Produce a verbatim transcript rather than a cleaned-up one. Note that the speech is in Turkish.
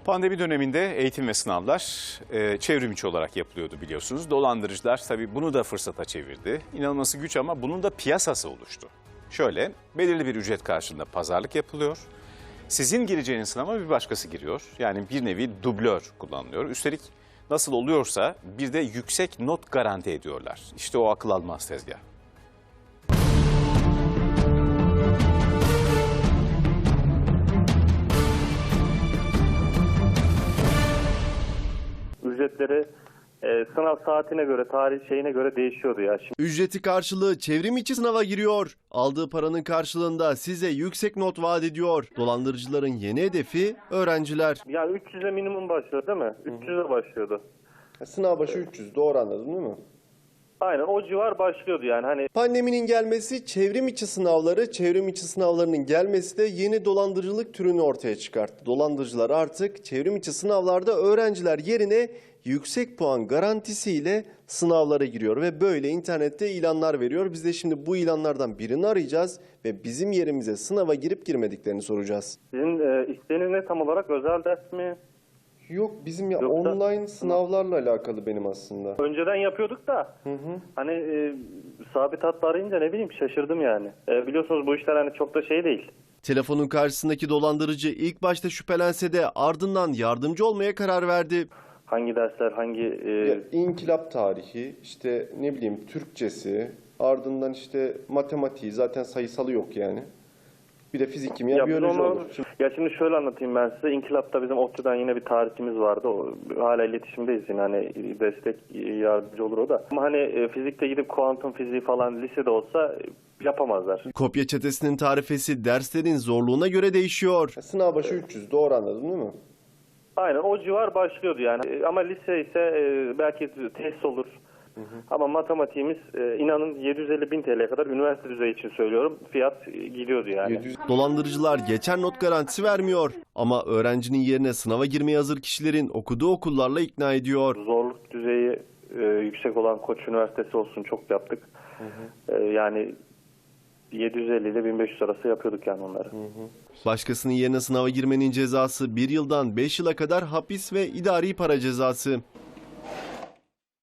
Pandemi döneminde eğitim ve sınavlar e, çevrim içi olarak yapılıyordu biliyorsunuz. Dolandırıcılar tabii bunu da fırsata çevirdi. İnanılması güç ama bunun da piyasası oluştu. Şöyle, belirli bir ücret karşılığında pazarlık yapılıyor. Sizin gireceğiniz sınava bir başkası giriyor. Yani bir nevi dublör kullanılıyor. Üstelik nasıl oluyorsa bir de yüksek not garanti ediyorlar. İşte o akıl almaz tezgah. Ücretleri e, sınav saatine göre, tarih şeyine göre değişiyordu ya. Şimdi Ücreti karşılığı çevrim içi sınava giriyor. Aldığı paranın karşılığında size yüksek not vaat ediyor. Dolandırıcıların yeni hedefi öğrenciler. yani üç yüze minimum başlıyor değil mi? üç yüze başlıyordu. Sınav başı üç yüz, doğru anladın değil mi? Aynen o civar başlıyordu yani hani. Pandeminin gelmesi, çevrim içi sınavları, çevrim içi sınavlarının gelmesi de yeni dolandırıcılık türünü ortaya çıkarttı. Dolandırıcılar artık çevrim içi sınavlarda öğrenciler yerine yüksek puan garantisiyle sınavlara giriyor ve böyle internette ilanlar veriyor. Biz de şimdi bu ilanlardan birini arayacağız ve bizim yerimize sınava girip girmediklerini soracağız. Sizin e, isteğiniz ne tam olarak, özel ders mi? Yok, bizim ya Yoksa- online sınavlarla alakalı benim aslında. Önceden yapıyorduk da hani e, sabit hatla arayınca ne bileyim şaşırdım yani. E, biliyorsunuz bu işler hani çok da şey değil. Telefonun karşısındaki dolandırıcı ilk başta şüphelense de ardından yardımcı olmaya karar verdi. Hangi dersler, hangi e, Ya, İnkılap tarihi, işte ne bileyim Türkçesi, ardından işte matematiği, zaten sayısalı yok yani. Bir de fizik, kimya, Ya biz biyoloji onu- olur. Şimdi Ya şimdi şöyle anlatayım ben size. İnkılap'ta bizim ODTÜ'den yine bir tarihçimiz vardı. O, hala iletişimdeyiz yine hani destek yardımcı olur o da. Ama hani e, fizikte gidip kuantum fiziği falan lisede olsa e, yapamazlar. Kopya çetesinin tarifesi derslerin zorluğuna göre değişiyor. sınav başı üç yüz, doğru anladın değil mi? Aynen o civar başlıyordu yani. E, Ama lise ise e, belki test olur. Ama matematiğimiz e, inanın yedi yüz elli bin T L'ye kadar üniversite düzeyi için söylüyorum. Fiyat e, gidiyordu yani. yedi yüz Dolandırıcılar geçer not garantisi vermiyor. Ama öğrencinin yerine sınava girmeye hazır kişilerin okuduğu okullarla ikna ediyor. Zorluk düzeyi e, yüksek olan Koç Üniversitesi olsun çok yaptık. E, yani yedi yüz elli ile bin beş yüz arası yapıyorduk yani onları. Başkasının yerine sınava girmenin cezası bir yıldan beş yıla kadar hapis ve idari para cezası.